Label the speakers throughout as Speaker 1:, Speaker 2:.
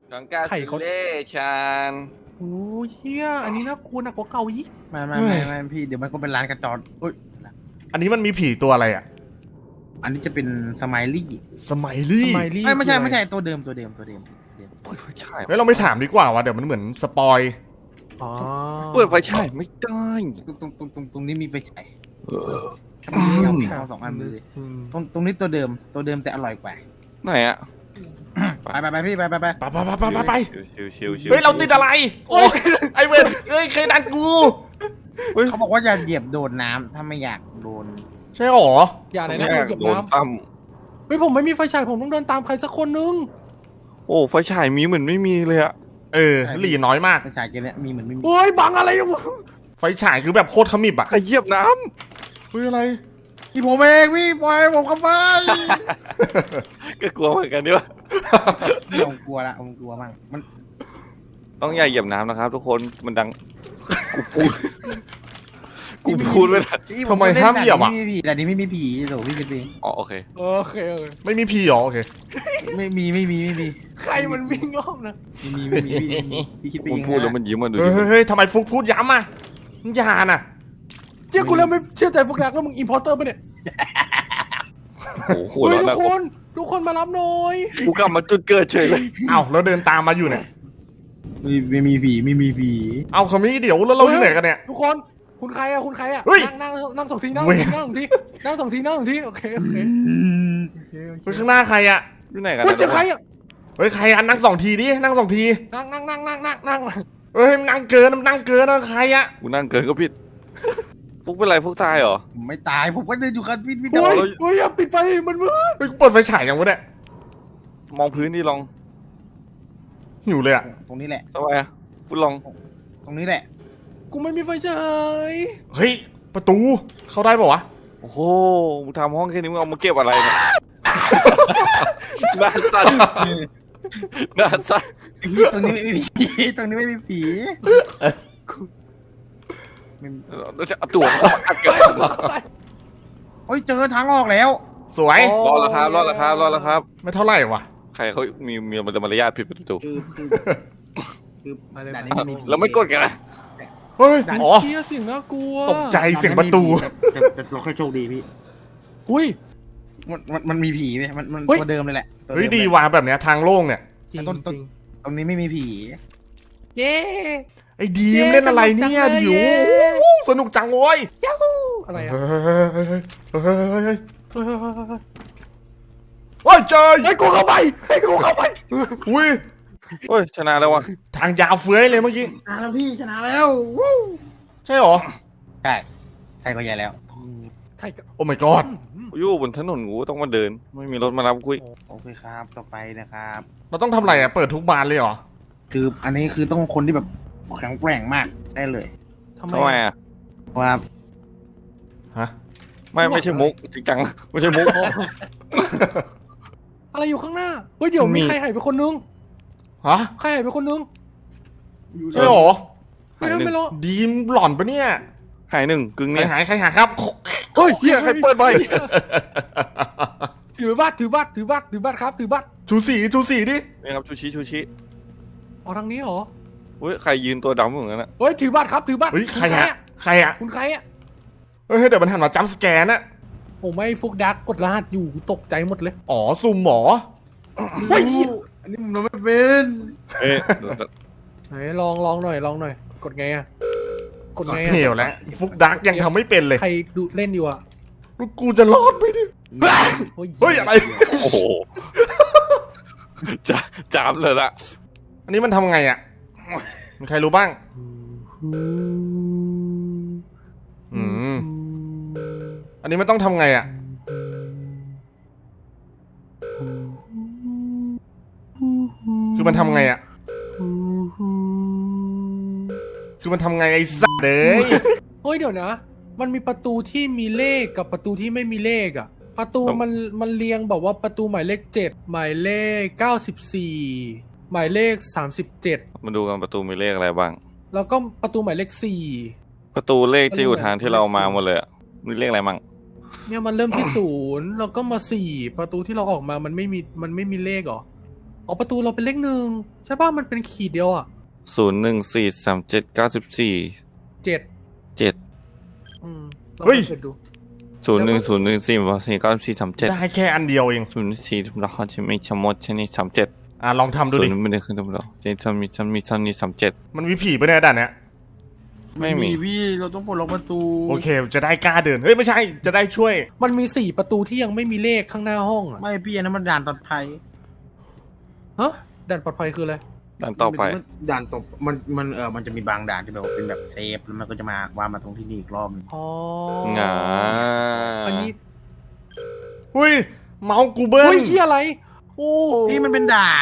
Speaker 1: ของกา
Speaker 2: ไข่เขา
Speaker 1: เล่ชาน
Speaker 2: โอ้ยเฮียอันนี้น่ากลัวหนักกว่าเก่าอีก
Speaker 3: ไม่พี่เดี๋ยวมันก็เป็นร้านกระจรอุ้ย
Speaker 4: อันนี้มันมีผีตัวอะไรอ่ะ
Speaker 3: อันนี้จะเป็นสไมลี่
Speaker 4: สมัยลี่
Speaker 2: สมัยรี
Speaker 3: ไม่ใช่ตัวเดิม
Speaker 1: เปิดไฟฉาย
Speaker 4: เฮ้ยเราไม่ถามดีกว่าว่ะเดี๋ยวมันเหมือนสปอย
Speaker 2: อ๋อ
Speaker 1: เปิดไฟฉายไม่ได้
Speaker 3: ตรงนี้มีไฟฉายเอาสองอันเลยตรงนี้ตัวเดิมแต่อร่อยกว่า
Speaker 1: ไหนอะ
Speaker 3: ไปพี่ไป
Speaker 4: ไป
Speaker 1: ชิว
Speaker 4: เฮ้ยเราติดอะไรโอ้ยไอเวนเฮ้ยใครดันกู
Speaker 3: เขาบอกว่าอย่าเหยียบโดนน้ำถ้าไม่อยากโดน
Speaker 4: ใช่หรอ
Speaker 2: อย่าไหน
Speaker 1: ไม่
Speaker 2: นะ
Speaker 1: อยาก
Speaker 2: เหยียบ
Speaker 1: โดน
Speaker 2: น้
Speaker 1: ตั้ม
Speaker 2: ำเฮ้ยผมไม่มีไฟฉายผมต้องเดินตามใครสักคนนึง
Speaker 1: โอ้ไฟฉายมีเหมือนไม่มีเลยอะ
Speaker 4: เออหลีน้อยมาก
Speaker 3: ไฟฉายเกมนี้มีเหมือนไม่มี
Speaker 2: โอ้ยบังอะไรวะ
Speaker 4: ไฟฉายคือแบบโคตรขมิบอ่ะ
Speaker 1: ใครเหยียบน้
Speaker 4: เฮ้ยอะไร
Speaker 3: พี่ผมเองพี่ปล่อยผมเข้าไป
Speaker 1: ำก็กลัวเหมือนกันดิวะ
Speaker 3: ผมกลัวมั่งมัน
Speaker 1: ต้องอย่าเหยียบน้ำนะครับ ทุกคนมันดังกูพูดเลยนะ
Speaker 4: ทำไมห้ามเหยียบอ่ะ
Speaker 3: แต่นี้ไม่มีผีโหพี่คิดเอง
Speaker 1: อ๋อโอเค
Speaker 2: โอเค
Speaker 4: ไม่มีผีหรอโอเค
Speaker 3: ไม่มี
Speaker 2: ใครมันวิ่งรอบนะ
Speaker 3: พี่คิดไป
Speaker 1: มึ
Speaker 3: เอง ง
Speaker 1: พูดแล้วมันยิ้มมาดู
Speaker 4: เฮ้
Speaker 1: ดิ
Speaker 4: ยเฮ้ยทำไมฟุกพูดย้ำอ่ะมึงอย่าน่ะ
Speaker 2: เชื่อกูแล้วไม่เชื่อใจพวกนักแล้วมึงอินพอร์เตอร์ปะเนี่ย
Speaker 1: โอ้โหหัว
Speaker 2: เฮ้ย
Speaker 1: เราะ
Speaker 2: ทุ
Speaker 1: นะ
Speaker 2: กคนทุกคนมารับหน่อย
Speaker 1: กูกลับมาจุดเกิดเฉยเลย
Speaker 4: เอ้าแล้วเดินตามมาอยู่เนี่ย
Speaker 3: ไม่มีผี
Speaker 4: เอาคำนี้เดี๋ยวแล้วเราอยู่ไหนกันเนี่ย
Speaker 2: ทุกคนคุณใครอะคุณใครอะ
Speaker 4: เฮ้ย
Speaker 2: นั่งสองทีนั่ง
Speaker 4: เว้ย
Speaker 2: สองทีนั่งสองทีโอเค
Speaker 4: เฮ้ยข้างหน้าใครอ่ะ
Speaker 1: อยู่ไหนกัน
Speaker 2: เฮ้ย
Speaker 1: นะ
Speaker 2: เสียงใครอะ
Speaker 4: เฮ้ยใครอันนั่งสองทีดินั่งสองที
Speaker 2: นั่ง
Speaker 4: เฮ้ยมันนั่งเกินมันนั่งเกินนะใครอ่ะ
Speaker 1: กูนั่งเกินก็ผิดฟุกเป็นไรฟุกตายเหรอ
Speaker 3: ผมไม่ตายผมก็เดินอยู่กันพี่
Speaker 2: โอ้ยโอ้ยอย่าปิดไฟมันมืด
Speaker 4: เฮ้ยกูเปิดไฟฉายยังวะเนี่ย
Speaker 1: มองพื้นดิลอง
Speaker 4: หิวเลยอ่ะ
Speaker 3: ตรงนี้แหละ
Speaker 1: ทำไมอะฟุกลอง
Speaker 3: ตรงนี้แหละ
Speaker 2: กูไม่มีไฟฉาย
Speaker 4: เฮ้ยประตูเข้าได้ป่าวะ
Speaker 1: โอ้โหมึงทำห้องแค่นี้มึงเอามาเก็บอะไรเนี่ยหน้าสั่นหน้าสั่น
Speaker 3: ตรงนี้ไม่มีผีตรงนี้ไม่มีผี
Speaker 1: เราจะเอาตัวอัดกัน
Speaker 3: โอ้ยเจอทางออกแล้ว
Speaker 4: สวย
Speaker 1: รอแล้วครับรอแล้วครับ
Speaker 4: ไม่เท่าไหร่วะ
Speaker 1: ใครเขามีมารยาทผิดประตู
Speaker 3: คือด่านนี้ไม่มีผี
Speaker 1: เราไม่กดกันนะ
Speaker 4: เฮ้ยอ๋อ
Speaker 2: เฮียเสียงน่ากลัว
Speaker 4: ตกใจเสียงประตู
Speaker 3: แต่เราค่อยโชคดีพี่
Speaker 2: อุ้ย
Speaker 3: มันมีผีไหมมัน
Speaker 2: เฮ้ย
Speaker 3: ตัวเดิมเลยแหละ
Speaker 4: เฮ้ยดีว่ะแบบเนี้ยทางโล่งเนี่ย
Speaker 2: จริง
Speaker 3: ต้น
Speaker 2: จริง
Speaker 3: ตรงนี้ไม่มีผี
Speaker 2: เย้
Speaker 4: ไอ้ดีมเล่นอะไรเนี่ยดิวสนุกจังโว้ย
Speaker 2: ยูฮูอะไรอะ
Speaker 4: เฮ้ย
Speaker 2: เฮ้ย
Speaker 4: โอ้ยเจอ
Speaker 2: ให้กูเข้าไปให้กูเข้าไป
Speaker 4: อุ้ย
Speaker 1: เฮ้ยชนะแล้ววะ
Speaker 4: ทางยาวเฟ้ยเลยเมื่อกี้
Speaker 3: ชนะแล้วพี่ชนะแล้ววู้
Speaker 4: ใช่หรอ
Speaker 3: ใช่ใช่ก็ใหญ่แล้ว
Speaker 2: ใช่กับ
Speaker 4: โอ้ my god
Speaker 1: อยู่บนถนนกูต้องมาเดิน ไม่มีรถมารับกูอีก
Speaker 3: โอเคครับต่อไปนะครับ
Speaker 4: เราต้องทำอะไรอ่ะเปิดทุกบานเลยเหรอ
Speaker 3: คืออันนี้คือต้องคนที่แบบแข็งแกร่งมากได้เลย
Speaker 2: ทำไม
Speaker 1: ทำไมอ่ะ
Speaker 3: ว่า
Speaker 4: ฮะ
Speaker 1: ไม่ใช่มุกจริงจังไม่ใช่มุก
Speaker 2: อะไรอยู่ข้างหน้าเฮ้ยเดี๋ยวมีใครหายไปคนนึง
Speaker 4: ฮะ
Speaker 2: ใครหายไปคนนึง
Speaker 4: ใช่หรอ
Speaker 2: ไม่รู้ไม่รู้
Speaker 4: ดีมหล่อนปะเนี่ย
Speaker 1: หายหนึ่งกึ่ง
Speaker 4: ใคร
Speaker 1: เนี่ย
Speaker 4: หายใครหายครับ
Speaker 1: เฮ้ยเฮียใครเปิดไฟ
Speaker 2: ถือบัตรครับถือบัตร
Speaker 4: ชูสีดิ
Speaker 1: นี่ครับชูชิ
Speaker 2: อ๋อทางนี้เหรอ
Speaker 1: เฮ้ยใครยืนตัวดำเหมือนกันนะ
Speaker 2: เฮ้ยถือบัตรครับถือบัตร
Speaker 4: เฮ้ยใครฮะใครอ่ะ
Speaker 2: คุณใครอะ
Speaker 4: เฮ้ยเดี๋ยวมันหันมาจัมป์สแกนน่ะ
Speaker 2: ผมไม่ฟุกดักกดรหัสอยู่ตกใจหมดเลย
Speaker 4: อ๋อซุ่มหมอ
Speaker 2: เฮ้ย
Speaker 3: อันนี้ผมไม่เป็น
Speaker 1: เอ๊ะ
Speaker 2: ไหนลองหน่อยกดไงอะกดไงอะ
Speaker 4: เหวแล้วฟุกดักยังทำไม่เป็นเลย
Speaker 2: ใครดูเล่นอยู่อะ
Speaker 4: แล้วกูจะรอดไหมเนี่ยเฮ้ยอะไร
Speaker 1: โอ้โหจะจามเลยละ
Speaker 4: อันนี้มันทำไงอ่ะมีใครรู้บ้าง อืม อันนี้มันต้องทำไงอ่ะ คือมันทำไงอ่ะ คือมันทำไงไอ้สัสเลย
Speaker 2: เฮ้ยเดี๋ยวนะ มันมีประตูที่มีเลขกับประตูที่ไม่มีเลขอะประตูมันเรียงแบบว่าประตูหมายเลข7หมายเลข94หมายเลข37
Speaker 1: มาดูกันประตูมีเลขอะไรบ้าง
Speaker 2: แล้วก็ประตูหมายเลข
Speaker 1: ประตูเลขที่อยู่ทางที่เรามาหมดเลยอะมีเลขอะไรบ้าง
Speaker 2: 4เนี่ยมันเริ่มที่ 0แล้วก็มา4ประตูที่เราออกมามันไม่มีเลขเหรออ๋อประตูเราเป็นเลขหนึ่งใช่ป่ะมันเป็นขีดเดียวอ่ะ
Speaker 1: 01437994
Speaker 2: เจ็ด
Speaker 1: 7
Speaker 2: เราไปเปิดดู
Speaker 1: 0104949437
Speaker 4: ได้แค่อันเดียวเอง
Speaker 1: 04ทุกเราจะไม่ชะมดชนิด37
Speaker 4: ลองทำดูดิ
Speaker 1: ไม่ได้ขึ้นทุกเราจะมีซันนี่37
Speaker 4: มันมีผีปะเนี่ยด่านเนี้ย
Speaker 1: ไม่มี
Speaker 3: พี่เราต้องปลดล็อกประตู
Speaker 4: โอเค จะได้กล้าเดิน เฮ้ย ไม่ใช่ จะได้ช่วย
Speaker 2: มันมี4ประตูที่ยังไม่มีเลขข้างหน้าห้องอ่ะ
Speaker 3: ไม่พี่อันนั้นมันด่านปลอดภัย
Speaker 2: ฮะด่านปลอดภัยคืออะไร
Speaker 1: ดันต่อไป
Speaker 3: ด่านตกมันจะมีบางด่านที่แบบว่าเป็นแบบเซฟแล้วมันก็จะมาวางมาตรงที่นี่อีกรอบนึง
Speaker 2: อ๋อ
Speaker 1: งา
Speaker 2: อันนี้
Speaker 4: อุ้ย เมาส์กูเบิ้ล
Speaker 2: เฮ้ยที่อะไรโอ้
Speaker 3: พี่มันเป็นด่าน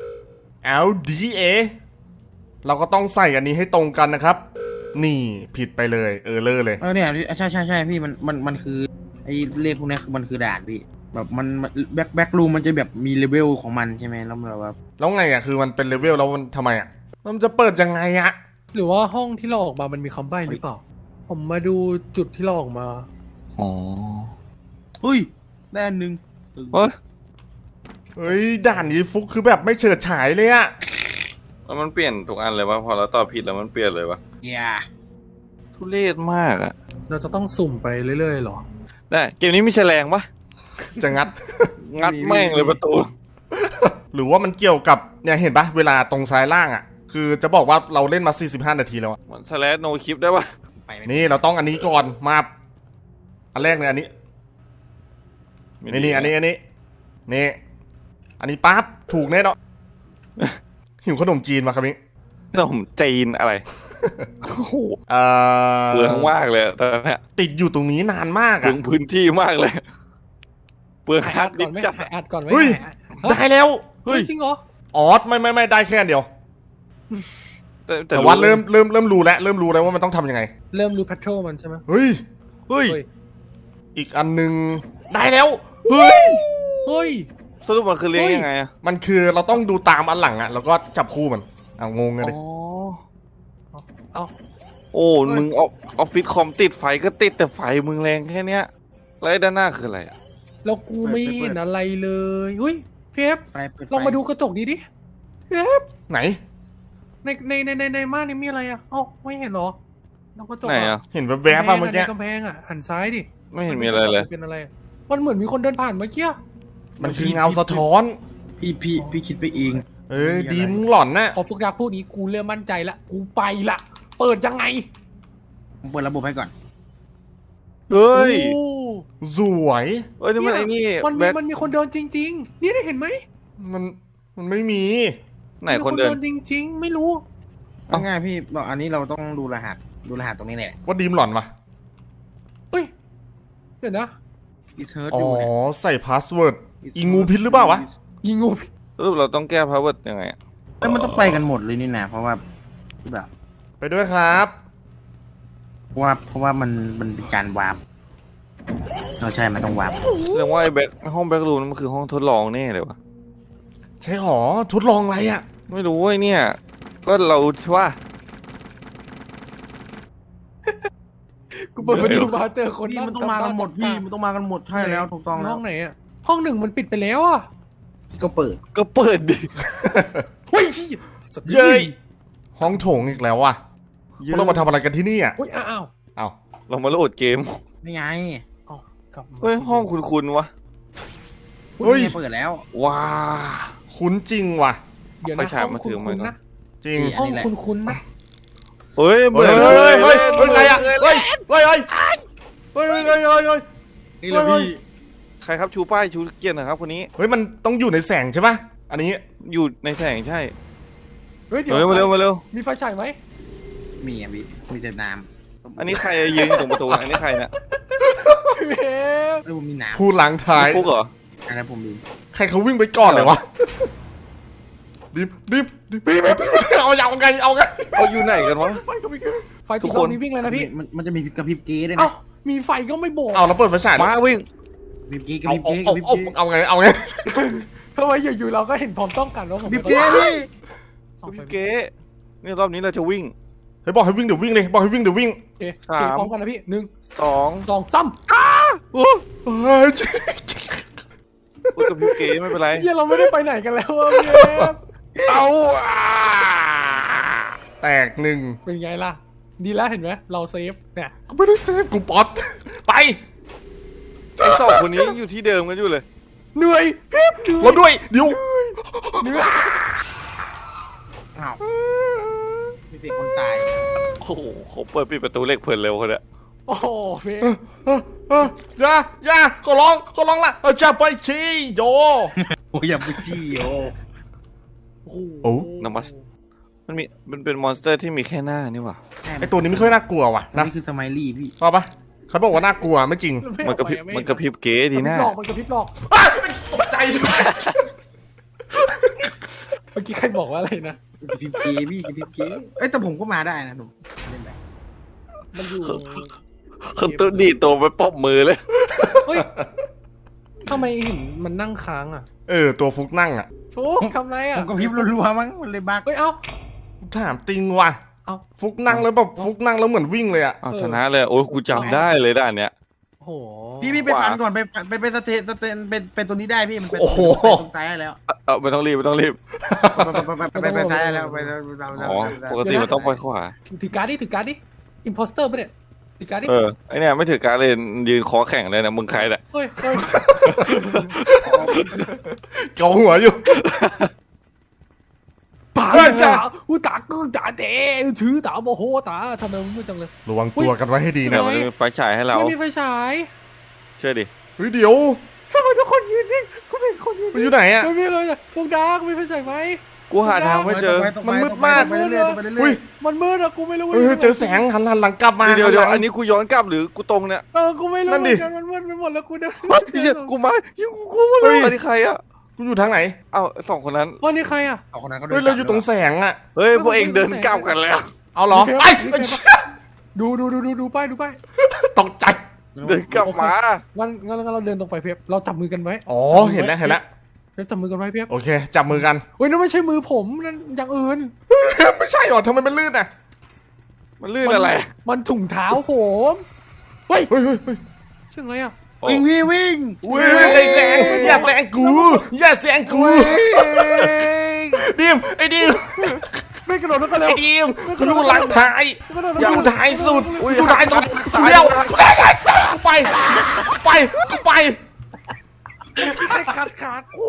Speaker 4: LDA เราก็ต้องใส่อันนี้ให้ตรงกันนะครับ นี่ผิดไปเลย เลอเลย
Speaker 3: เนี่ยใช่พี่มันคือไอ้เลขพวกนี้คือมันคือด่านพี่แบบมันแบ็ครูมมันจะแบบมีเลเวลของมันใช่ไหมแล้วมันแบบว่า
Speaker 4: แล้วไงอ่ะ คือมันเป็นเลเวลแล้วมันทำไมอ่ะ มันจะเปิดยังไงอ่ะ
Speaker 2: หรือว่าห้องที่เราออกมามันมีคำใบ้หรือเปล่า ผมมาดูจุดที่เราออกมา
Speaker 1: อ๋อ
Speaker 3: เฮ้ยได้อันหนึ่ง
Speaker 1: เฮ้ย
Speaker 4: เฮ้ย ด่านนี้ฟุกคือแบบไม่เฉิดฉายเลยอ่ะ
Speaker 1: แล้วมันเปลี่ยนทุกอันเลยวะพอเราตอบผิดแล้วมันเปลี่ยนเลยวะ
Speaker 3: อย่า
Speaker 1: ทุเรศมากอะ
Speaker 2: เราจะต้องสุ่มไปเรื่อยๆหรอ
Speaker 1: ได้เกมนี้มีแฉลงปะ
Speaker 4: จะงัด
Speaker 1: งัดแม่งเลยประตู
Speaker 4: หรือว่ามันเกี่ยวกับเนี่ยเห็นปะเวลาตรงซ้ายล่างอ่ะ คือจะบอกว่าเราเล่นมา45นาทีแล้วอะ
Speaker 1: มันสแลชโนคลิปได้ปะ
Speaker 3: ไปไหม
Speaker 4: นี่เราต้องอันนี้ก่อนมาอันแรกเลยอันนี้นี่อันนี้นี่อันนี้ปั๊บถูกแน่เนาะ หิวขนมจีนมาครับนี้
Speaker 1: ขนมจีนอะไรโอ้โห
Speaker 4: เอ่
Speaker 1: เปลืองมากเลยอะตอนนี้
Speaker 4: ติดอยู่ตรงนี้นานมาก
Speaker 1: เปลื
Speaker 4: อ่ะ
Speaker 1: องพื้นที่มากเลยเปลืองฮา
Speaker 2: อั
Speaker 1: ร์ด
Speaker 2: ด
Speaker 1: ดิ
Speaker 2: ก่อน
Speaker 1: ส
Speaker 2: ไหม
Speaker 1: ก์จัด
Speaker 2: อัดก่อนไหม
Speaker 4: เฮ้ย ได้แล้ว
Speaker 2: เฮ้ยจริงเหรอ
Speaker 4: อ๋อไม่ได้แค่อันเดียว
Speaker 1: แต่
Speaker 4: แต่ว่าเริ่มรู้แล้วว่ามันต้องทำยังไง
Speaker 2: เริ่มรู้แพทเทิร์นมันใช่ไหม
Speaker 4: เฮ้ย
Speaker 1: เฮ้ย
Speaker 2: เฮ้ย
Speaker 4: อีกอันหนึงได้แล้วเฮ้ย
Speaker 2: เฮ้ย
Speaker 1: สรุปมันคือเลี้ยง
Speaker 2: เฮ้ย
Speaker 1: ยังไงอะ
Speaker 4: มันคือเราต้องดูตามอันหลังอ่ะแล้วก็จับคู่มันเอางงเลยดิ
Speaker 1: อ๋อ
Speaker 2: เอา
Speaker 1: โอ้มึงออฟฟิศคอมติดไฟก็ติดแต่ไฟมึงแรงแค่เนี้ยแล้วไอ้ด้านหน้าคืออะไรอะ
Speaker 2: แล้วกูไม่เห็นอะไรเลยเฮ้ยเฟฟ
Speaker 3: ไปเปิดไฟ
Speaker 2: ลองมาดูกระจกดีดิเฟฟ
Speaker 4: ไหน
Speaker 2: ในม่านนี่มีอะไรอ่ะเอ้าไม่เห็นเหรอลองกระจก
Speaker 1: ไหนอะ
Speaker 4: เห็นแวบๆป่ะเมื่อกี้
Speaker 2: ในกำแพงอ่ะหันซ้ายดิ
Speaker 1: ไม่เห็นมีอะไรเลย
Speaker 2: เป็นอะไรอะมันเหมือนมีคนเดินผ่านเมื่อกี้
Speaker 4: มันคือเงาสะท้อน
Speaker 3: พี่คิดไปเอง
Speaker 4: ดีมึงหล่อนน่ะ
Speaker 2: พอฟุกดักพูดนี้กูเริ่มมั่นใจละกูไปละเปิดยังไง
Speaker 3: ผมเปิดระบบให้ก่อน
Speaker 1: เฮ้ย
Speaker 2: โอ้
Speaker 4: สวย
Speaker 1: เอ้ยนี่มันไอ้นี่
Speaker 2: มันมี
Speaker 1: แบ็ค
Speaker 2: มันมีคนเดินจริง ๆ นี่ได้เห็นไหม
Speaker 4: มันไม่มี
Speaker 1: ไหนคนเดิน
Speaker 2: จริง ๆ ไม่รู้
Speaker 3: เอาง่ายพี่บอกอันนี้เราต้องดูรหัสตรงนี้แหละ
Speaker 4: ว่าดีมหล่อนปะ
Speaker 2: เฮ้ยเดี๋ยวนะ
Speaker 3: อีเทิร์ด
Speaker 4: อ๋อ
Speaker 3: อยู่เนี่ย
Speaker 4: ใส่พาสเวิร์ดอีงูพิษหรือเปล่าวะ
Speaker 2: ยิงงู
Speaker 1: สรุปเราต้องแก้พาวเวอร์ยังไงอะ
Speaker 3: แล้วมันต้องไปกันหมดเลยนี่นะเพราะว่าแบบ
Speaker 4: ไปด้วยครับ
Speaker 3: เพราะว่ามันเป็นการวาร์ปใช่มันต้องวาร์ป
Speaker 1: เรื่องว่าไอ้แบ็คห้องแบ็ครูมมันคือห้องทดลองแน่เลยวะ
Speaker 4: ใช่หรอทดลองอะไรอ่ะ
Speaker 1: ไม่รู้เว้ยเนี่ย ก็เราว่า
Speaker 2: กูเปิดประตูมาเจอคน
Speaker 3: พี่
Speaker 2: นั่ง
Speaker 3: มันต้องมากันหมดพี่มันต้องมากันหมดใช่แล้วถูกต้อง
Speaker 2: ใน
Speaker 3: แล้
Speaker 2: ห้
Speaker 3: ว
Speaker 2: องไหนอ่ะห้องหนึ่งมันปิดไปแล้วอ่ะ
Speaker 3: ก็เปิด
Speaker 1: ก็เปิดดิ
Speaker 2: เฮ้ย
Speaker 4: เย้ยห้องโถงอีกแล้วว่ะพวกเรามาทำอะไรกันที่นี่อ่ะ
Speaker 2: เฮ้ยอ้าว
Speaker 4: เอา
Speaker 1: เรามาโหลดเกม
Speaker 3: นี่ไง
Speaker 2: อ้าวกลับมา
Speaker 1: เฮ้ยห้องคุ้นๆวะ
Speaker 3: เฮ้ยเปิดแล้ว
Speaker 1: ว้า
Speaker 4: คุ้นจริงว่ะ
Speaker 2: เดี๋ยว
Speaker 1: ไฟ
Speaker 2: นะ
Speaker 1: ฉาย
Speaker 2: ห้อง
Speaker 1: มาถือ
Speaker 2: คุ
Speaker 1: มา
Speaker 2: ณ
Speaker 1: ก่อน
Speaker 2: นะ
Speaker 4: จริง
Speaker 2: ห้องคุณนะ
Speaker 1: เฮ้ย
Speaker 4: เฮ้ย
Speaker 1: เบื่อ
Speaker 4: เฮ้ยใครอ่ะเฮ้ย
Speaker 3: นี่เลยพี่
Speaker 1: ใครครับชูป้ายชูเกียรติหนะครับคนนี้
Speaker 4: เฮ้ยมันต้องอยู่ในแสงใช่ปะอันนี้
Speaker 1: อยู่ในแสงใช่
Speaker 2: เฮ้ยเดี๋ยว
Speaker 1: เฮ้ยมาเร็วมาเร็ว
Speaker 2: มีไฟฉายไหม
Speaker 3: มีอ่ะพี่มีแต่น้
Speaker 1: อันนี้ใครยืนอยู่ตรงประตูอันนี้ใครเนี่ย
Speaker 2: เฮ้ย
Speaker 3: ำแล้วผมมีน้
Speaker 4: ผู้หลังท้าย
Speaker 1: ฟุกเหรอ
Speaker 3: ำอะไรผมมี
Speaker 4: ใครเขาวิ่งไปก่อนเลยวะดิบเอาไง
Speaker 1: เขาอยู่ไหนกันวะ
Speaker 2: ไฟก็ไม่ขึ้นไฟ
Speaker 1: ทุ
Speaker 2: ติด
Speaker 1: ก
Speaker 2: ต
Speaker 1: ค
Speaker 2: อน นนี้วิ่งเลยนะพี่
Speaker 3: มันจะมีกระพริบเก๊ด้วย
Speaker 2: เอ้า
Speaker 3: นะ
Speaker 2: มีไฟก็ไม่บอก
Speaker 4: เอาแล้วเปิดไฟฉาย
Speaker 1: มาวิ่ง
Speaker 3: กระพริบเก๊กระพริบเก๊กระพริบเก๊
Speaker 4: เอาไง
Speaker 2: ทำไมอยู่ๆเราก็เห็นพร้อมต้องกันว่าผม
Speaker 3: กระพริบเก๊พี่
Speaker 2: ส่องไฟ
Speaker 1: พี่เก๋นี่รอบนี้เราจะวิ่ง
Speaker 4: เฮ้ยบอกให้วิ่งเดี๋ยววิ่งเลยบอกให้วิ่งเดี๋ยววิ่ง
Speaker 2: โอเค
Speaker 1: สาม
Speaker 2: พร้อมกันนะพี่1
Speaker 1: 2
Speaker 2: 2 3
Speaker 1: โอ้
Speaker 4: เฮ้ย
Speaker 1: กูกับพี่เก๋ไม่เป็นไร
Speaker 2: เฮียเราไม่ได้ไปไหนกันแล้วอะพี่เอฟ
Speaker 1: เอาอ่ะ
Speaker 4: แตกหนึ่ง
Speaker 2: เป็นไงล่ะ ดีแล้วเห็นไหมเราเซฟเนี่ย
Speaker 4: กูไม่ได้เซฟกูป๊อตไป
Speaker 1: ไอ้สองคนนี้ยังอยู่ที่เดิมกันอยู่เลย
Speaker 2: เหนื่อยพี่เหนื่อย
Speaker 4: รถด้วยเดี๋ยว
Speaker 2: เหนื่อย
Speaker 3: อ้าวมีเสียงคนตาย
Speaker 1: โอ้โหเขาเปิดปิดประตูเหล็กเพลินเร็วคนเนี้ย
Speaker 2: โอ้โหพี่
Speaker 4: อย่าขอร้องละจะไปชี้โย
Speaker 3: โอ้ยอย่าไปจี้โอ
Speaker 4: โอ้
Speaker 1: นามัสมันเป็นมอนสเตอร์ที่มีแค่หน้านี่หว่า
Speaker 4: ไอตัวนี้ไม่ค่อยน่ากลัวว่ะนะ
Speaker 3: นี่คือสไมลี่พี่
Speaker 4: ชอบปะเขาบอกว่าน่ากลัวไม่จริง
Speaker 1: มันกระพริบมันกระพริบเก๋ดีหน้า
Speaker 2: มันกระพริบหลอก
Speaker 4: ตกใจ
Speaker 2: เมื่อกี้ใครบอกว่าอะไรนะ
Speaker 3: จะพิมพ์เกพี่จะพิมพ์เกเอ้ยแต่ผมก็มาได้นะหนุ่มเล่นได้
Speaker 2: มันอยู่
Speaker 1: เขาตัวดีดตัวไปป๊อบมือเลย
Speaker 2: เฮ้ยทำไมเห็นมันนั่งค้างอ่ะ
Speaker 4: ตัวฟุกนั่งอ่ะ
Speaker 2: ฟุกทำไร
Speaker 3: ผ
Speaker 2: อ่ะ
Speaker 3: มก็พิมพ์รัวๆมั้งมันเลยบัก
Speaker 2: เฮ้ยเอ้า
Speaker 4: ถามติงว่ะ
Speaker 2: เอ้า
Speaker 4: ฟุกนั่งแล้วแบบฟุกนั่งแล้วเหมือนวิ่งเลยอ่ะ
Speaker 1: อ้าวชนะเลยโอ้ยกูจำได้เลยด้านเนี้ย
Speaker 2: โอ้โห
Speaker 3: พี่ไปฟันก่อนไปสเตนเป็นตัวนี้ได้พี่มันเป็น
Speaker 4: โอ้โห
Speaker 3: ไปตรงซ้ายแล้ว
Speaker 1: ไม่ต้องรีบไม่ต้องรีบ
Speaker 3: ไปซ้ายแล้วไป
Speaker 1: อ๋อปกติมันต้องไปขวา
Speaker 2: ถือการ์ดดิถือการ์ดดิอิมโพสเตอร์ปะเนี่ยถือการ์ดดิ
Speaker 1: ไอเนี่ยไม่ถือการเลยยืนคอแข่งเลยนะมึงใครเนี่ย
Speaker 2: เฮ้ยเฮ้ย
Speaker 4: เกาหัวอยู่
Speaker 2: ป่า
Speaker 4: เฮ้ยจ้ะ
Speaker 2: อุตากูตาเตะถือตาโมโหตาทำไมมึงไม่จังเลย
Speaker 4: ระวังตัวกันไว้ให้ดี
Speaker 1: เนี่
Speaker 4: นะ
Speaker 1: ยมันมีไฟฉายให้เรา
Speaker 2: ไม่มีไฟฉาย
Speaker 1: เชื่อดิ
Speaker 4: เฮ้ยเดี๋ยว
Speaker 2: ทำไมทุกคนยืนนิ่งกูเห็นคนยืน
Speaker 4: มันอยู่ไหนอ่ะ
Speaker 2: ไม่มีเลยอะพวกดาร์กมีไฟฉายไหม
Speaker 1: กูหาทางไม่เจอ
Speaker 3: ไปเรื่อย
Speaker 4: อุ้ย
Speaker 2: มันมืดอะกูไม่รู้
Speaker 4: เฮ้ยเจอแสงหันหลังกลับมา
Speaker 1: เดี๋ยว
Speaker 4: หัหลัง
Speaker 1: อันนี้กูย้อนกลับหรือกูตรงเนี่ย
Speaker 2: กูไม่รู้
Speaker 4: นั่น
Speaker 2: เห
Speaker 4: ดิ
Speaker 2: มือนกันมันมืดไปหมดแล้วกูเดิน
Speaker 1: เฮ้ยกูมากูมาเลยอันนี้ใครอ่ะ
Speaker 4: กูอยู่ทางไหน
Speaker 1: เอ้าสองคนนั้น
Speaker 2: วันนี้ใครอะ
Speaker 3: เอาคนนั้นก็
Speaker 4: เฮ้ยเราอยู่ตรงแสงอ่ะ
Speaker 1: เฮ้ยพวกเองเดินกลับกันแล้ว
Speaker 4: เอาเหรอไอ้ไอ้เชี่ย
Speaker 2: ดูป้ายดูป้าย
Speaker 4: ตกใจ
Speaker 1: เดินกลับมา
Speaker 2: งั้นเราเดินตรงไปเพียบเราจับมือกันไว้
Speaker 4: อ๋อเห็นแล้ว
Speaker 2: เพียบจับมือกันไว้เพียบ
Speaker 4: โอเค จับมือกัน
Speaker 2: เฮ้ยนั่นไม่ใช่มือผมนั่นอย่างอื่น
Speaker 4: ไม่ใช่หรอทำไมมันลื่นอ่ะ
Speaker 1: มันลื่นอะไร
Speaker 2: มันถุงเท้าผมเฮ้ย
Speaker 4: เฮ้ย
Speaker 2: ชื่ออะไรอะ
Speaker 3: วิ่งพี่วิ่ง
Speaker 4: ไอ้แสงอย่าแสงกูอย่าแสงกูดิมไอ้ดิม
Speaker 2: ไม่กระโดดแล้วก็เร็ว
Speaker 4: ไอ้ดิมกูอยู่หลังท้าย
Speaker 2: กระโดด
Speaker 4: อยู่ท้ายสุด
Speaker 1: อุ้ย
Speaker 4: อยู่ท้ายสุด
Speaker 1: ซ้าย
Speaker 4: เร็ว
Speaker 1: ซ้าย
Speaker 4: ไป
Speaker 2: ใครขัดขากู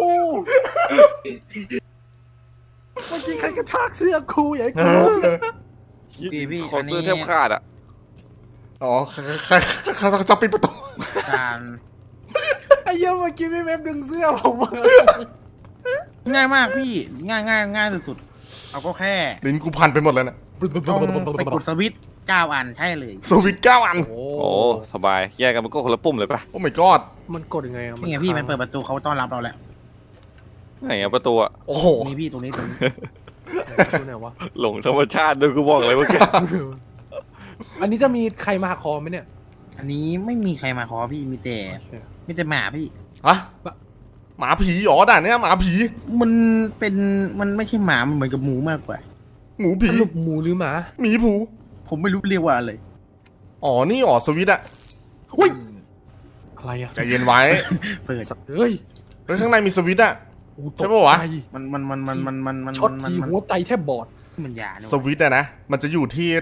Speaker 2: เมื่อกี้ใครกระชากเสื้อกูอย่าให้กูรู้
Speaker 1: ขอซื้อแทบขาดอ่ะ
Speaker 4: อ๋อเขาจะปิดประตู
Speaker 3: การ
Speaker 2: ไอ้เหี้ยเมื่อกี้พี่เว็บดึงเสื้อผมมา
Speaker 3: ง่ายมากพี่ง่ายสุดๆเอาก็แค่
Speaker 4: ลิ้นกูพันไปหมดแล้วนะ
Speaker 3: ต้องไปกดสวิตช์9 อันใช่เลย
Speaker 4: สวิตช์9 อัน
Speaker 2: โอ้
Speaker 1: โอ้สบายแยกกันมันก็คนละปุ่มเลยปะ
Speaker 4: โอ้ my god
Speaker 2: มันกดยังไงอะ
Speaker 3: นี่ไงพี่มันเปิดประตูเขาต้อนรับเราแล้ว
Speaker 1: ไหนอะประตูอะ
Speaker 4: โอ้โห
Speaker 3: นี่พี่ตรงนี้
Speaker 2: ดูไหนวะ
Speaker 1: หลงธรรมชาติด้วยกูบอกเลยเมื่อกี้
Speaker 2: อันนี้จะมีใครมาหักคอไหมเนี่ย
Speaker 3: อันนี้ไม่มีใครมาขอพี่มีแต่หมาพี่
Speaker 4: อะหมาผีหรอด่านเนี้ยหมาผี
Speaker 3: มันไม่ใช่หมามันเหมือนกับหมูมากกว่า
Speaker 4: หมูผี
Speaker 2: สรุปหมูหรือหมา
Speaker 4: หมีผู
Speaker 3: ผมไม่รู้เรียกว่าอะไร
Speaker 4: อ๋อนี่อ๋อสวิตช์อะ
Speaker 2: อุ้ยอะไรอะ
Speaker 4: ใจเย็นไว้
Speaker 3: เปิด
Speaker 2: เฮ้ย
Speaker 4: เฮ้ยข้างในมีสวิตช์อะ
Speaker 2: กูตก
Speaker 4: ใช่ปะวะ
Speaker 2: ใจ
Speaker 3: มัน
Speaker 2: ช็อตทีหัวใจแทบบอด
Speaker 3: มันยาเนี่ย
Speaker 4: สวิตช์อะนะมันจะอยู่ที่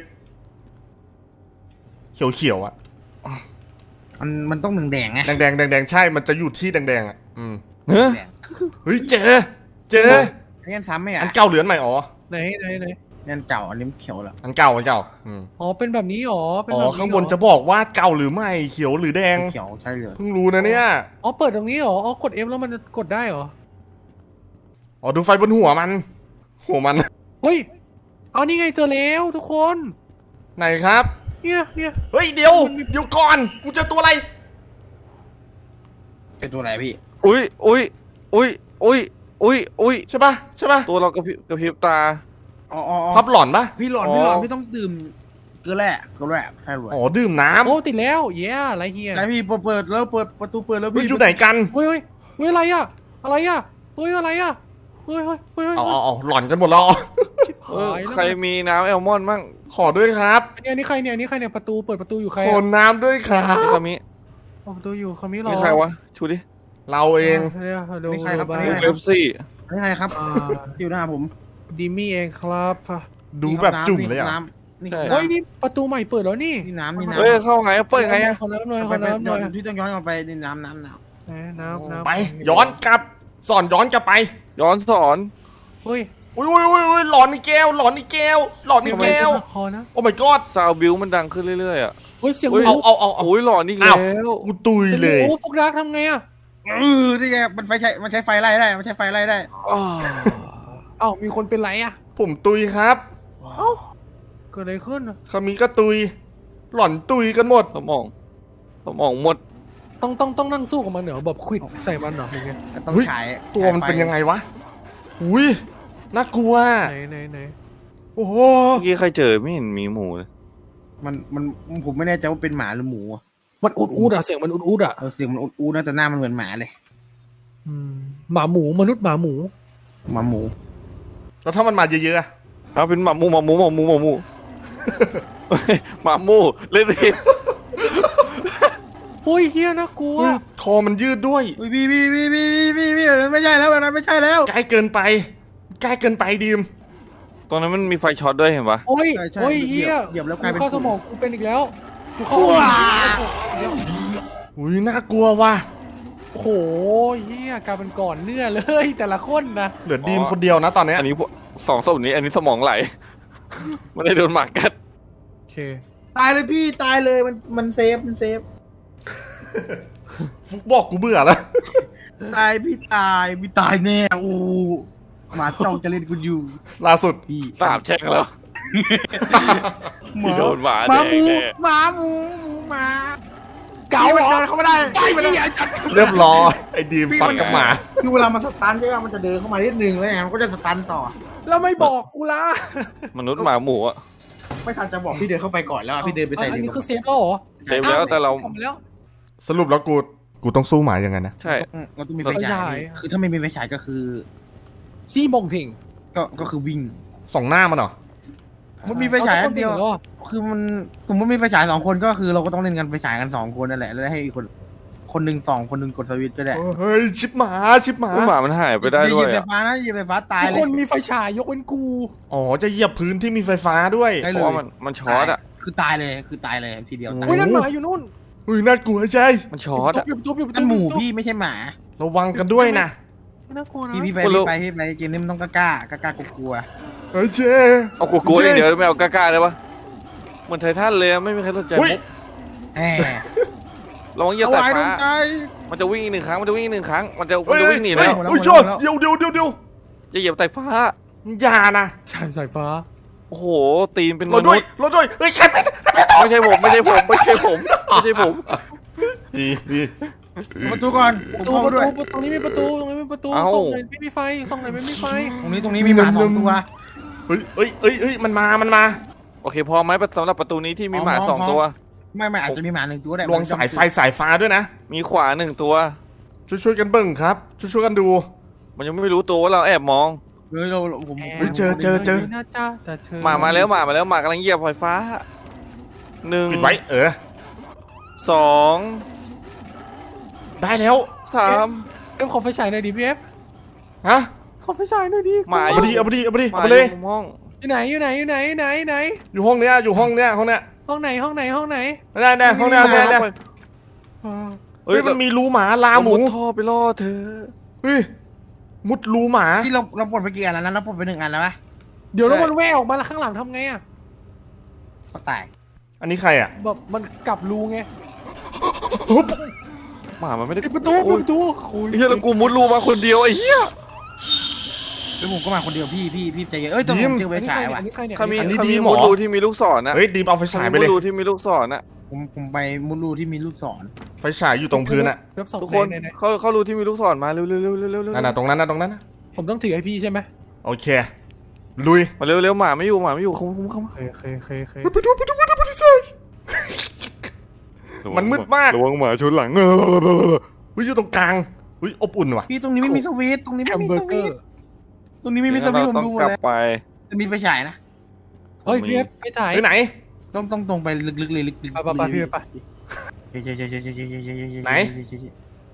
Speaker 4: เขียวๆอะ
Speaker 3: มันต้องแดงๆไง
Speaker 4: แดงใช่มันจะอยู่ที่แดงๆอะ
Speaker 1: เฮ้ย
Speaker 3: แดง
Speaker 4: เฮ้ยเจอ
Speaker 3: เงี้ยซ้ำไหมอ่ะ
Speaker 4: อันเก่าเหลือนใหม่อ๋อ
Speaker 2: ไหน
Speaker 3: เนี่ยเก่าอันนี้เขียวแล้ว
Speaker 4: อันเก่า
Speaker 2: อ๋อเป็นแบบนี้หรอเป็น
Speaker 4: อ๋
Speaker 2: แบบ
Speaker 4: อ
Speaker 2: นี้
Speaker 4: ข้างบนจะบอกว่าเก่าหรือไม่เขียวหรือแดง
Speaker 3: เขียวใช่เลย
Speaker 4: เพิ่งรู้นะเนี่ย
Speaker 2: อ๋อเปิดตรงนี้หรออ๋อกด F แล้วมันจะกดได้หรอ
Speaker 4: อ๋อดูไฟบนหัวมัน
Speaker 2: เฮ้ยเอานี่ไงเจอแล้วทุกคน
Speaker 4: ไหนครับ
Speaker 2: เนี่ย
Speaker 4: เฮ้ยเดี๋ยวก่อนกูเจอตัวอะไร
Speaker 3: เป็นตัวไหนพี่
Speaker 1: อุ้ย
Speaker 4: ใช่ปะ
Speaker 1: ตัวเรากระพริบตา
Speaker 3: อ๋อ
Speaker 4: พับหลอนปะ
Speaker 3: พี่หลอนพี่ต้องดื่มเกลือแร่ใช่เลย
Speaker 4: อ๋อดื่มน้
Speaker 2: โอ้ติดแล้วเย้อะไรเฮีย
Speaker 3: ไหนพี่เปิดแล้วเปิดประตูเปิดแล้ว
Speaker 4: ำเฮ้ย
Speaker 3: พี่
Speaker 4: อยู่ไหนกัน
Speaker 2: เฮ้ยอะไรอะอะไรอะเฮ้ยอะไรอะเฮ้ย
Speaker 4: เอาหลอนกันหมดแล้ว
Speaker 2: ชิบ
Speaker 1: เออ
Speaker 2: หายแล้ว
Speaker 1: ใครมีน้ำแอลมอนด์มั่ง
Speaker 4: ขอด้วยครับ
Speaker 2: อันนี้ใครเนี่ยประตูเปิดประตูอยู่ใคร
Speaker 4: ขอน้ำด้วยครับ
Speaker 1: นี่คามิ
Speaker 2: ประตูอยู่คามิหรอ
Speaker 1: นี่ใครวะชูดิ
Speaker 4: เราเอง
Speaker 2: เดี๋ยวดู
Speaker 3: นี่ใครครับ
Speaker 2: บ้า
Speaker 3: นี่
Speaker 1: ดู
Speaker 3: ใคร
Speaker 1: เอฟซี
Speaker 3: นี่ใครครับ
Speaker 2: อ่า
Speaker 3: อยู่หน้าผม
Speaker 2: ดิมี่เองครับ
Speaker 4: ดูแบบจุ่มเลยอ่ะ
Speaker 3: น้ำนี่
Speaker 2: เฮ้ยนี่ประตูใหม่เปิดแล้วนี่
Speaker 3: นี่น้ำนี่น้ำ
Speaker 1: เฮ้ยเข้าไงเปิดไงอะ
Speaker 2: ขอน้ำหน่อยข
Speaker 3: ไป
Speaker 2: อน้ำหน่อย
Speaker 3: ที่ต้องย้อนกลับไปนี่น้ำ
Speaker 2: ไหนน้ำ
Speaker 4: ไป ย้อนกลับ สอนย้อนกลับไป
Speaker 1: ย้อนสอน
Speaker 2: เฮ้ย
Speaker 4: อุ้ยหลอนอีกแก้วหลอนอีกแก้วหลอนอีกแก้ว
Speaker 2: คอนะ
Speaker 4: โอ้ my god
Speaker 1: ซาวบิวมันดังขึ้นเรื่อยๆอ่ะ
Speaker 2: เฮ้ยเสียง
Speaker 1: เฮ้ย
Speaker 2: หมู
Speaker 4: เอา
Speaker 1: โอ้ยหลอนอีกแล้ว
Speaker 4: กูตุยเลย
Speaker 2: โอ้ฟุกดักทำไงอ่ะ
Speaker 3: นี่ไงมันใช้ไฟไล่ได้มันใช้ไฟไล่ได้
Speaker 1: อ้าว
Speaker 2: เอ้ามีคนเป็นไรอ่ะ
Speaker 4: ผมตุยครับ
Speaker 2: เอ้าเกิดอะไรขึ้นอะ
Speaker 4: คามิก็ตุย หล่อนตุยกันหมด
Speaker 1: สมองหมด
Speaker 2: ต้องนั่งสู้กับมันเหรอแบบควิดใส่มันเหรอหรือไง
Speaker 3: ต้อง
Speaker 4: เฮ้ย
Speaker 3: ฉาย
Speaker 4: ตัวมันเป็นยังไงวะ อุ้ยน่ากลัว
Speaker 2: ไหน
Speaker 4: โอ้โห
Speaker 1: เมื่อกี้ใครเจอไม่เห็นมีหมูเลย
Speaker 3: มันผมไม่แน่ใจว่าเป็นหมาหรือหมูอะ
Speaker 2: มันอุดอ่ะเสียงมันอุดอ่ะ
Speaker 3: เสียงมันอูนะแต่หน้ามันเหมือนหมาเลย
Speaker 2: หมาหมูมนุษย์หมาหมู
Speaker 3: หมาหมู
Speaker 4: แล้วถ้ามันมาเยอะๆอะ
Speaker 1: เอาเป็นหมาหมูเฮ้ยหมาหมูเล่นผิด
Speaker 2: เฮ้ยเฮียน่ากลัว
Speaker 4: เฮ้ยคอมันยืดด้วย
Speaker 3: อุ้ยพี่ไม่ใช่แล้วนะไม่ใช่แล้ว
Speaker 4: ใกล้เกินไป ใกล้เกินไปดีม
Speaker 1: ตรงนั้นมันมีไฟช็อตด้วยเห็นปะ
Speaker 2: โอ้ย
Speaker 3: ใช่
Speaker 2: โอ้ยเฮีย
Speaker 3: เหยียบแล้วกลายเป็น
Speaker 2: เข้าสมองกูเป็นอีกแล้วกูเข้า
Speaker 4: อุ้ยน่ากลัวว่ะ
Speaker 2: โอ้โหเฮียกลายเป็นก่อนเนื้อเลยแต่ละคนนะ
Speaker 4: เหลือดีมคนเดียวนะตอนเนี้ย
Speaker 1: อันนี้พวกสองศพนี้อันนี้สมองไหล ไม่ได้โดนหมากัด
Speaker 2: โอเค
Speaker 3: ตายเลยพี่ตายเลยมันเซฟ
Speaker 4: ฟุกบอกกูเบื่อแล้ว
Speaker 3: ตายพี่ตายแน่โอ้หมาจ้องจะเล่นกูอยู่
Speaker 4: ล่าสุด
Speaker 3: พี่
Speaker 1: สาบแช่งแล้ว โดนหมา
Speaker 3: หมา
Speaker 1: แด
Speaker 3: หมู
Speaker 1: งแน่
Speaker 3: หมาหมูหมา
Speaker 2: เก๋าเหรอ
Speaker 3: เขาไม่ได้
Speaker 4: เรียบร้อยไอ้ดีมฟัดกับหมา
Speaker 3: คือเวลามันสตันใช่ไหมมันจะเดินเข้ามานิดนึงแล้วไงมันก็จะสตันต่อ
Speaker 2: แล้วไม่บอกกูละ
Speaker 1: มนุษย์หมาหมูอะ
Speaker 3: ไม่ทันจะบอกพี่เดินเข้าไปก่อนแล้วอะพี่เดินไปใส่
Speaker 2: อันนี้
Speaker 3: ดิน
Speaker 2: คือเซฟแล้วเหรอ
Speaker 1: เซฟแล้วแต่เรา
Speaker 2: กลับมาแล้ว
Speaker 4: สรุปแล้วกูต้องสู้หมายังไงนะ
Speaker 1: ใช่
Speaker 3: เราต้องมีไฟฉายคือถ้าไม่มีไฟฉายก็คือ
Speaker 2: ซี่มงถิง
Speaker 3: ก็คือวิ่ง
Speaker 4: ส่องหน้ามันเหรอ
Speaker 3: มันมีไฟฉายอันเดียว
Speaker 2: อาทุกคป็นหรอ
Speaker 3: คือมันสมมติมีไฟฉาย2 คนก็คือเราก็ต้องเล่นกันไฟฉายกัน2 คนนั่นแหละแล้วให้อีกคนหนึ่ง2 คนหนึ่งกดสวิตช์ก็ได้
Speaker 4: เฮ้ยชิบหมา
Speaker 1: หมามันหายไปได้ด้วย
Speaker 3: เหยียบไฟ
Speaker 1: อะ
Speaker 3: ฟ้านะเหยียบไฟฟ้าตาย
Speaker 2: ทุก
Speaker 3: เล
Speaker 2: ค
Speaker 3: ย
Speaker 2: นมีไฟฉายยกเว้นกู
Speaker 4: อ๋อจะเหยียบพื้นที่มีไฟฟ้าด้วย
Speaker 3: ใช่
Speaker 1: เพราะว่ามันช็อตอะ
Speaker 3: คือตายเลยทีเดียวตาย
Speaker 2: เฮ้ยนั่นหมาอยู่นู่น
Speaker 4: อุ้ยน่ากลัวใช่
Speaker 1: มันช็อตอะ
Speaker 2: อยู่ประตูอยู่ประตู
Speaker 3: นั่นหมูพี่ไม่ใช่หมา
Speaker 4: ระวังกันด้วยนะ
Speaker 2: น่ากลัวนะ
Speaker 3: พี่ไปเกมนี้มันต้องกล้ากลัว
Speaker 4: เฮ้ยเจ
Speaker 1: เอากลัวๆอย่างเดียวไม่เอากล้าๆได้ปะเหมือนไททันเลยอะไม่มีใครสนใจ
Speaker 4: อุ้ย
Speaker 1: มุก
Speaker 3: แหม
Speaker 1: ระวังเหยียบ
Speaker 3: เอา
Speaker 1: แต่
Speaker 3: ไว้ตร
Speaker 1: ฟ้า
Speaker 3: งใจ
Speaker 1: มันจะวิ่งอีก1 ครั้งมันจะวิ่งอีก1 ครั้งมันจะ
Speaker 4: เฮ้ย
Speaker 1: วิ่งหนี
Speaker 4: เฮ้
Speaker 1: แล้
Speaker 4: ยว อุ้ยชนเดี๋ยว
Speaker 1: จะเหยียบแต่ฟ้า
Speaker 4: อย่านะ
Speaker 2: ใช่สายฟ้า
Speaker 1: โอ้โหตีนเป็นม
Speaker 4: รถ
Speaker 1: นุ
Speaker 4: ด้วย
Speaker 1: ษย์
Speaker 4: รถด้วยเฮ้ยใครไป
Speaker 1: ไม่ใช่ผมดี
Speaker 3: ประตูก่อน
Speaker 2: ประตู
Speaker 3: ผมเข้าด้วย
Speaker 2: ตรงนี้มีประตูตรงนี้มีประตู
Speaker 1: เอ้า
Speaker 2: ส่งไหนไม่มีไฟส่งไหนไม่มีไฟ
Speaker 3: ตรงนี้มีหมา2 ตัว
Speaker 4: เฮ้ยมันมา
Speaker 1: โอเคพอไหมสำหรับประตูนี้ที่มีหมา2 ตัว
Speaker 3: ไม่อาจจะมีหมา1 ตัวได้
Speaker 4: ลวงสายไฟสายฟ้าด้วยนะ
Speaker 1: มีขวา1 ตัว
Speaker 4: ช่วยกันเบิ่งครับ ช่วยกันดู
Speaker 1: มันยังไม่รู้ตัวว่าเราแอบมอง
Speaker 3: เฮ้ยผม
Speaker 4: เฮ้ยเจอ
Speaker 2: น่าจะแต่เธอ
Speaker 1: หมาแล้วหมากำลังเหยียบไฟฟ้า
Speaker 4: ปิดไว้
Speaker 1: 2
Speaker 4: ได้แล้ว
Speaker 1: 3
Speaker 2: เอ็มขอไฟฉายหน่อยดิพี่เอฟ
Speaker 4: ฮะ
Speaker 2: ขอไฟฉายหน่อยดิ
Speaker 1: หมา
Speaker 4: เอาไปดิเอาไปเลย
Speaker 1: มุมห้อง
Speaker 2: อยู่ไหนอยู่ไหน
Speaker 4: อยู่ห้องเนี้ยห้องไหน
Speaker 2: ได้
Speaker 4: ห้องเนี้ย
Speaker 1: เฮ้
Speaker 4: เฮ้
Speaker 1: ย
Speaker 4: ยมันมีรูหมาลาหมู
Speaker 1: มุดท่อไปล่อเธอ
Speaker 4: เฮ้ยมุดรูหมา
Speaker 3: ที่เราปลดไปกี่อันแล้วนะเราปลดไป1 อันแล้วปะ
Speaker 2: เดี๋ยวแล้วมันแว่ออกมาแล้วข้างหลังทำไงอ่ะ
Speaker 3: ก็ตาย
Speaker 4: อันนี้ใครอ่ะ
Speaker 2: แบบมันกลับรูไง
Speaker 1: หมามันไม่ได้
Speaker 2: ปิดประตูคุย
Speaker 1: เฮียแล้วกูมุดรูมาคนเดียวไอ้เหี้ย
Speaker 3: แล้วผมก็มาคนเดียวพี่ใจเย็นแต่ผมเจอไฟฉายว่ะ
Speaker 2: อันนี้ใครเนี่ย
Speaker 1: เขามี
Speaker 4: อันนี้
Speaker 1: เขา
Speaker 4: ดี
Speaker 1: มี
Speaker 4: หมอ
Speaker 1: มุดรูที่มีลูกศรนะ
Speaker 4: เฮ้ยดีมเอาไฟฉายไป
Speaker 1: มุ
Speaker 4: เล
Speaker 1: ด
Speaker 4: ย
Speaker 1: รูที่มีลูกศรนะ
Speaker 3: ผมไปมุดรูที่มีลูกศร
Speaker 4: ไฟฉายอยู่ตรงพื้นอ่ะ
Speaker 2: เว็บสอง
Speaker 1: ทุกคน
Speaker 2: ไหน
Speaker 1: เขารูที่มีลูกศรมาเร็ว
Speaker 4: นั่นน่ะตรงนั้นนะ
Speaker 2: ผมต้องถือให้พี่ใช่ไหม
Speaker 4: โอเคลุย
Speaker 1: มาเร็วหมาไม่อยู่เข้ามา
Speaker 2: เค
Speaker 4: ไปดูมันมืดมาก
Speaker 1: ระวังหมาชนหลัง
Speaker 4: อุ้ยอยู่ตรงกลางอุ้ยอบอุ่นว่ะ
Speaker 3: พี่ตรงนี้ไม่มีสวิตช์ตรงนี้
Speaker 2: แฮ
Speaker 3: ไม่
Speaker 2: ม
Speaker 3: มี
Speaker 2: เบอ
Speaker 3: ส
Speaker 2: ร์เก
Speaker 3: วิ
Speaker 2: อ
Speaker 3: ตช์
Speaker 2: ร์
Speaker 3: ตรงนี้ไม่มีสวิตช์ผม
Speaker 1: ต้อง
Speaker 3: ดูหม
Speaker 1: ก
Speaker 3: ด
Speaker 1: ลับ
Speaker 3: แล้ว
Speaker 1: ไป
Speaker 3: จะมีไฟฉายนะ
Speaker 2: เฮ้ยพี่เอฟไปถ่าย
Speaker 4: ไปไหน
Speaker 3: ต้องตรงไปลึกๆเลยลึกๆ
Speaker 2: ไปพี่ไป
Speaker 3: ไหน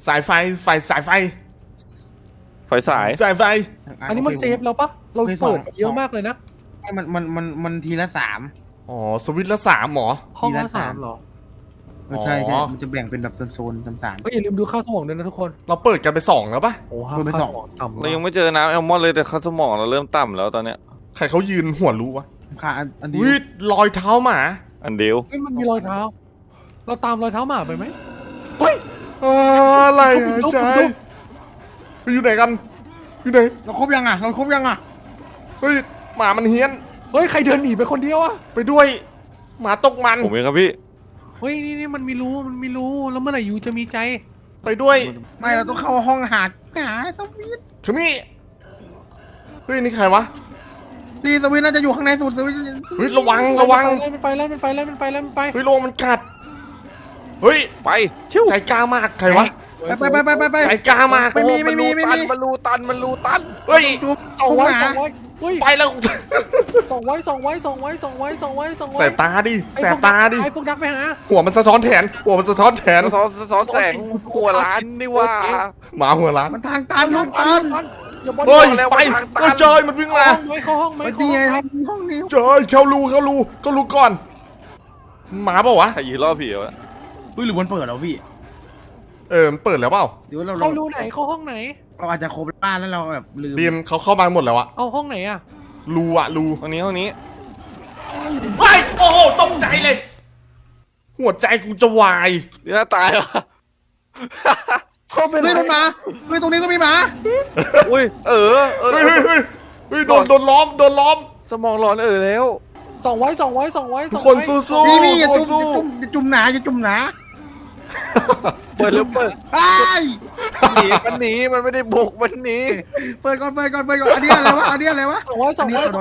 Speaker 4: สายไฟสายไฟ
Speaker 1: ไฟสาย
Speaker 4: สายไฟ
Speaker 2: อันนี้มันเซฟแล้วปะเราเปิดไปเยอะมากเลยนะ
Speaker 3: มันทีละ3
Speaker 4: อ๋อสวิตช์ละ3หมอ
Speaker 2: ห้องละ
Speaker 3: ทีละ
Speaker 2: 3
Speaker 3: 3
Speaker 2: เหรอ
Speaker 3: ใช่
Speaker 4: อ๋อ
Speaker 3: มันจะแบ่งเป็นแบบโซนๆ3
Speaker 2: ก็อย่าลืมดูข้าวสมองด้วยนะทุกคน
Speaker 4: เราเปิดกันไป2แล้วปะ
Speaker 2: โอ้
Speaker 3: เปิดไป
Speaker 2: ข้าว
Speaker 3: ส
Speaker 2: ส
Speaker 3: อง
Speaker 2: มองต่ำ
Speaker 1: เรายังไม่เจอน้ำแอลมอนเลยแต่ค่าสมองเราเริ่มต่ำแล้วตอนเนี้ย
Speaker 4: ใครเขายืนหัวรู้วะ
Speaker 3: ๆค่ะอันนี้
Speaker 4: วิรอยเท้าหมา
Speaker 1: อันเดียว
Speaker 2: เฮ้ยมันมีรอยเท้า เราตามรอยเท้าหมาไปไหมเฮ้ย
Speaker 4: อะไรหายใจอยู่ไหนกันอยู่ไหน
Speaker 3: เราครบยังอ่ะ
Speaker 4: เฮ้ยหมามันเฮี้ยน
Speaker 2: เฮ้ยใครเดินหนีไปคนเดียวอะ
Speaker 4: ไปด้วย หมาตกมัน
Speaker 1: ผมเองครับพี่
Speaker 2: เฮ้ยนี่มันมีรูแล้วเมื่อไหร่ยูจะมีใจ
Speaker 4: ไปด้วย
Speaker 3: ไม่เราต้องเข้าห้องหาสวิต
Speaker 4: ชมี่เฮ้ยนี่ใครวะ
Speaker 3: นี่สวิตน่าจะอยู่ข้างในสุดสวิต
Speaker 4: เฮ้ยระวัง
Speaker 2: มันไปแล้ว
Speaker 4: เฮ้ยระวังมันกัดเฮ้ย
Speaker 1: ไปชิว
Speaker 4: ใจกล้ามากใครวะ
Speaker 3: ไป
Speaker 4: ใจกล้ามาก
Speaker 3: ไม่มี
Speaker 1: มันรูตัน
Speaker 4: เฮ้ย
Speaker 2: ส่องไว้เฮ้ย
Speaker 4: ไปแล้ว
Speaker 2: ส่องไว้
Speaker 4: แสบตาดิแสบตาดิ
Speaker 2: ไอ้พวกดักไปหา
Speaker 4: หัวมันสะท้อนแขนหัวมันสะท้อนแขน
Speaker 1: สะท้อนแสงหัวล้านนี่ว่า
Speaker 4: หมาหัวล้าน
Speaker 3: มันทางตันลูกตัน
Speaker 2: อย่าบอล
Speaker 4: เฮ้ย
Speaker 1: แล้ว
Speaker 4: ไป
Speaker 1: ทางตัน
Speaker 4: เฮ้ยจอยมันวิ่งมา
Speaker 2: เข้าห้องไหม
Speaker 3: นี่ไงห้องนี้
Speaker 4: จอยเข้ารูก่อนหมาเปล่าวะ
Speaker 1: ใครยืนรอบผีวะ
Speaker 3: หรือมันเปิดแล้วพี่
Speaker 4: มันเปิดแล้วเปล่า
Speaker 3: เดี๋ยวเรา
Speaker 2: เข้ารูไหนเข้าห้องไหน
Speaker 3: เราอาจจะครบบ้านแล้วเราแบบลืม
Speaker 4: บีมเขาเข้ามาหมดแล้วอะ
Speaker 2: เอาห้องไหนอะ
Speaker 4: รูอะรู
Speaker 1: ห้องนี้
Speaker 4: เฮ้ยโอ้โหตกใจเลย หัวใจกูจะวาย
Speaker 1: นี่น่าตายว่ะ
Speaker 2: เขาเป็น
Speaker 3: เฮ้ยมันมาเฮ้ยตรงนี้ก็มีหมา
Speaker 1: อุ้ยเ
Speaker 4: เฮ้ยโดนล้อม
Speaker 1: สมองร้อนแล้ว
Speaker 2: ส่องไว้
Speaker 4: ทุกคนสู้
Speaker 3: นี่อย่า
Speaker 4: สู้
Speaker 3: จุ่มหนาอย่าจุ่มหนา
Speaker 1: เปิดแล้วเปิด
Speaker 3: ไอ้
Speaker 1: มันหนีมันไม่ได้บุกมันหนี
Speaker 3: เปิดก่อนอันนี้อะไรวะ
Speaker 2: ส่องไว้ส่องไว้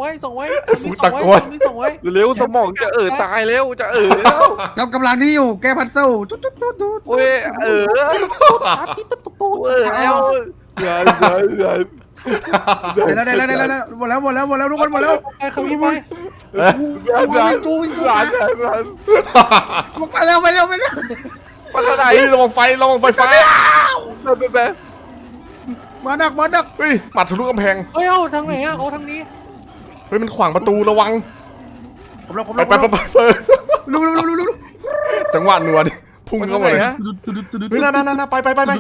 Speaker 1: เร็วสมองจะตายแล้วจะแล้ว
Speaker 3: กำลังที่อยู่แก้พัซเซิลตุ๊ด
Speaker 1: เว้ยแล้ว
Speaker 3: ได้แล้วหมดแล้วทุกคนหมดแล้ว
Speaker 2: ไปเขาวิ่งไป
Speaker 1: หลาน
Speaker 3: ไปแล้ว
Speaker 1: ปัตตา
Speaker 4: เฮ้ยระวังไฟฟ้า
Speaker 1: ไป
Speaker 3: มาดัก
Speaker 4: เฮ้ยหมัดทะลุกำแพง
Speaker 2: เฮ้ยเอาทางไหนอะเอาทางนี้
Speaker 4: เฮ้ยมันขวางประตูระวัง
Speaker 3: ผม
Speaker 4: ไป
Speaker 3: รู้
Speaker 4: จังหวะหนวดพุ่งเข้ามาเลยเฮ้ยนั่นไป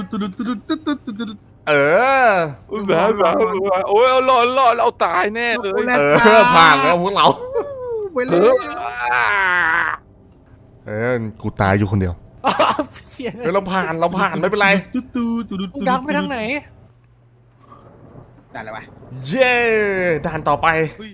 Speaker 4: เออ
Speaker 1: โอ้ยหลอนเอาตายแน่เลย
Speaker 4: ผ่านแล้วพวกเรา
Speaker 3: ไปเลย
Speaker 4: กูตายอยู่คนเดียว
Speaker 2: เสีย
Speaker 4: เฮ้ยเราผ่านไม่เป็นไร
Speaker 2: กูดักไปทางไหน
Speaker 3: ได้แล้ววะ
Speaker 4: เย้ด่านต่อไป